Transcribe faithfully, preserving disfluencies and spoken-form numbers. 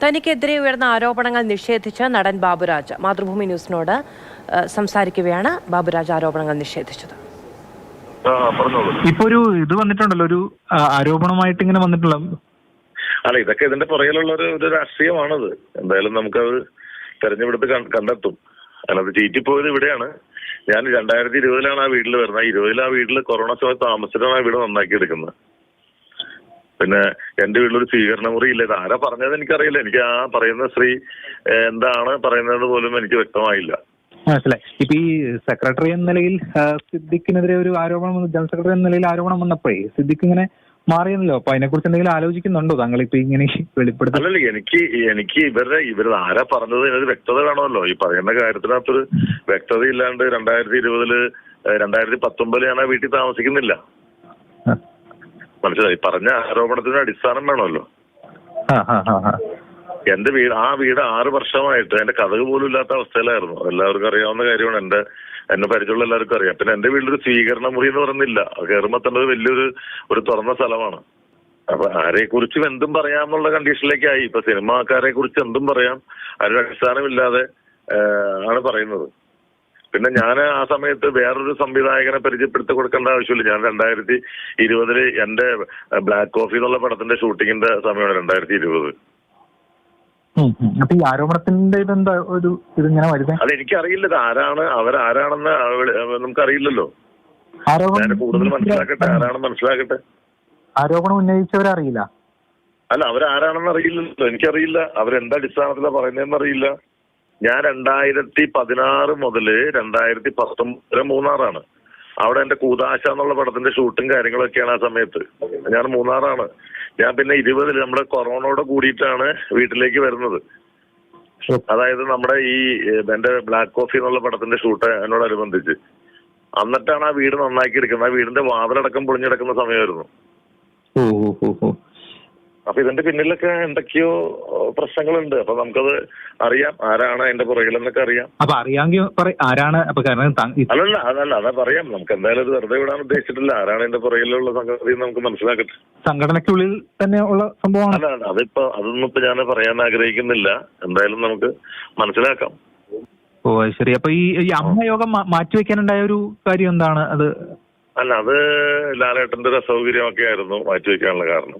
തനിക്കെതിരെ ഉയർന്ന ആരോപണങ്ങൾ നിഷേധിച്ച് നടൻ ബാബുരാജ് മാതൃഭൂമി ന്യൂസിനോട് സംസാരിക്കവെയാണ് ബാബുരാജ് ആരോപണങ്ങൾ നിഷേധിച്ചത്. ഇപ്പൊ ഒരു ഇത് വന്നിട്ടുണ്ടല്ലോ, ഒരു ആരോപണമായിട്ട് ഇങ്ങനെ വന്നിട്ടുള്ള അല്ല, ഇതൊക്കെ ഇതിന്റെ പുറകിലുള്ള ഒരു ഒരു രാഷ്ട്രീയമാണത്. എന്തായാലും നമുക്കത് തെരഞ്ഞെടുത്ത് കണ്ടെത്തും. അല്ലാതെ ചീറ്റിപ്പോയത് ഇവിടെയാണ്. ഞാൻ രണ്ടായിരത്തി ഇരുപതിലാണ് ആ വീട്ടിൽ വരുന്നത്. ഇരുപതിൽ ആ വീട്ടിൽ കൊറോണ സമയത്ത് താമസിച്ചിട്ടാണ് ആ വീട് നന്നാക്കി എടുക്കുന്നത്. പിന്നെ എന്റെ വീട്ടിലൊരു സ്വീകരണ മുറി ഇല്ല. ഇത് ആരാ പറഞ്ഞത് എനിക്കറിയില്ല. എനിക്ക് ആ പറയുന്ന സ്ത്രീ എന്താണ് പറയുന്നത് പോലും എനിക്ക് വ്യക്തമായില്ല. മനസ്സിലായി. ഇപ്പൊ ഈ സെക്രട്ടറി എന്ന നിലയിൽ സിദ്ദിഖിനെതിരെ ഒരു ആരോപണം, ജനറൽ സെക്രട്ടറി എന്ന നിലയിൽ ആരോപണം വന്നപ്പോഴേ സിദ്ദിഖ് ഇങ്ങനെ മാറിയല്ലോ. അപ്പൊ അതിനെ കുറിച്ച് എന്തെങ്കിലും ആലോചിക്കുന്നുണ്ടോ താങ്കൾ ഇപ്പൊ ഇങ്ങനെ വെളിപ്പെടുത്തി? അല്ലല്ല, എനിക്ക് എനിക്ക് ഇവരുടെ ഇവർ ആരാ പറഞ്ഞത് എന്നൊരു വ്യക്തത വേണമല്ലോ. ഈ പറയുന്ന കാര്യത്തിനകത്തൊരു വ്യക്തത ഇല്ലാണ്ട് രണ്ടായിരത്തി ഇരുപതില് രണ്ടായിരത്തി പത്തൊമ്പതില് ഞാൻ ആ വീട്ടിൽ താമസിക്കുന്നില്ല. മനസ്സിലായി. പറഞ്ഞ ആരോപണത്തിന് അടിസ്ഥാനം വേണമല്ലോ. എന്റെ വീട് ആ വീട് ആറ് വർഷമായിട്ട് എന്റെ കഥക് പോലും ഇല്ലാത്ത അവസ്ഥയിലായിരുന്നു. എല്ലാവർക്കും അറിയാവുന്ന കാര്യമാണ്. എന്റെ എന്നെ പരിചയമുള്ള എല്ലാവർക്കും അറിയാം. പിന്നെ എന്റെ വീട്ടിലൊരു സ്വീകരണ മുറി എന്ന് പറയുന്നില്ല. കയറുമ്പോ തന്നെ വലിയൊരു ഒരു തുറന്ന സ്ഥലമാണ്. അപ്പൊ ആരെ കുറിച്ചും എന്തും പറയാമെന്നുള്ള കണ്ടീഷനിലേക്കായി. ഇപ്പൊ സിനിമാക്കാരെ കുറിച്ച് എന്തും പറയാം, അതിന്റെ അടിസ്ഥാനമില്ലാതെ ആണ് പറയുന്നത്. പിന്നെ ഞാൻ ആ സമയത്ത് വേറൊരു സംവിധായകനെ പരിചയപ്പെടുത്തി കൊടുക്കേണ്ട ആവശ്യമില്ല. ഞാൻ രണ്ടായിരത്തി ഇരുപതില് എന്റെ ബ്ലാക്ക് കോഫി എന്നുള്ള പടത്തിന്റെ ഷൂട്ടിങ്ങിന്റെ സമയമാണ് രണ്ടായിരത്തി ഇരുപത്. അപ്പൊ ഈ ആരോപണത്തിന്റെ ഇതെന്താ ഒരു ഇതിങ്ങനെ വരുന്നത്? അത് എനിക്കറിയില്ല. ഇത് ആരാണ്, അവരാരാണെന്ന് നമുക്കറിയില്ലല്ലോ. ഞാൻ കൂടുതൽ മനസ്സിലാക്കട്ടെ, ആരാണെന്ന് മനസ്സിലാക്കട്ടെ. ആരോപണം ഉന്നയിച്ചവരറിയില്ല. അല്ല, അവരാരാണെന്ന് അറിയില്ലല്ലോ. എനിക്കറിയില്ല അവരെന്താ അടിസ്ഥാനത്തിലാണ് പറയുന്നതെന്ന് അറിയില്ല. ഞാൻ രണ്ടായിരത്തി പതിനാറ് മുതല് രണ്ടായിരത്തി പത്തൊമ്പത് വരെ മൂന്നാറാണ്. അവിടെ എന്റെ കൂതാശ എന്നുള്ള പടത്തിന്റെ ഷൂട്ടും കാര്യങ്ങളൊക്കെയാണ് ആ സമയത്ത്. ഞാൻ മൂന്നാറാണ്. ഞാൻ പിന്നെ ഇരുപതില് നമ്മുടെ കൊറോണയോട് കൂടിയിട്ടാണ് വീട്ടിലേക്ക് വരുന്നത്. അതായത് നമ്മുടെ ഈ എന്റെ ബ്ലാക്ക് കോഫി എന്നുള്ള പടത്തിന്റെ ഷൂട്ട് എന്നോടനുബന്ധിച്ച്. എന്നിട്ടാണ് ആ വീട് നന്നാക്കി എടുക്കുന്നത്. ആ വീടിന്റെ വാതിലടക്കം പൊളിഞ്ഞെടുക്കുന്ന സമയമായിരുന്നു. അപ്പൊ ഇതിന്റെ പിന്നിലൊക്കെ എന്തൊക്കെയോ പ്രശ്നങ്ങളുണ്ട്. അപ്പൊ നമുക്കത് അറിയാം ആരാണ് അതിന്റെ പുറകിലെന്നൊക്കെ അറിയാം. അപ്പൊ അറിയാമെങ്കിൽ ആരാണ്? അല്ലല്ല അതല്ല അതാ പറയാം. നമുക്ക് എന്തായാലും അത് വെറുതെ വിടാൻ ഉദ്ദേശിച്ചിട്ടില്ല. ആരാണ് അതിന്റെ പുറകിലുള്ള സംഗതി നമുക്ക് മനസ്സിലാക്കട്ടെ. സംഘടനയ്ക്കുള്ളിൽ തന്നെ ഉള്ള സംഭവമാണ്. അല്ല, അതിപ്പോ അതൊന്നും ഇപ്പൊ ഞാൻ പറയാൻ ആഗ്രഹിക്കുന്നില്ല. എന്തായാലും നമുക്ക് മനസ്സിലാക്കാം. ഓ ശരി. അപ്പൊ ഈ അമ്മയോഗം മാറ്റിവെക്കാനുണ്ടായ ഒരു കാര്യം എന്താണ് അത്? അല്ല, അത് ലാലേട്ടന്റെ ഒരു അസൗകര്യമൊക്കെ ആയിരുന്നു മാറ്റിവെക്കാനുള്ള കാരണം.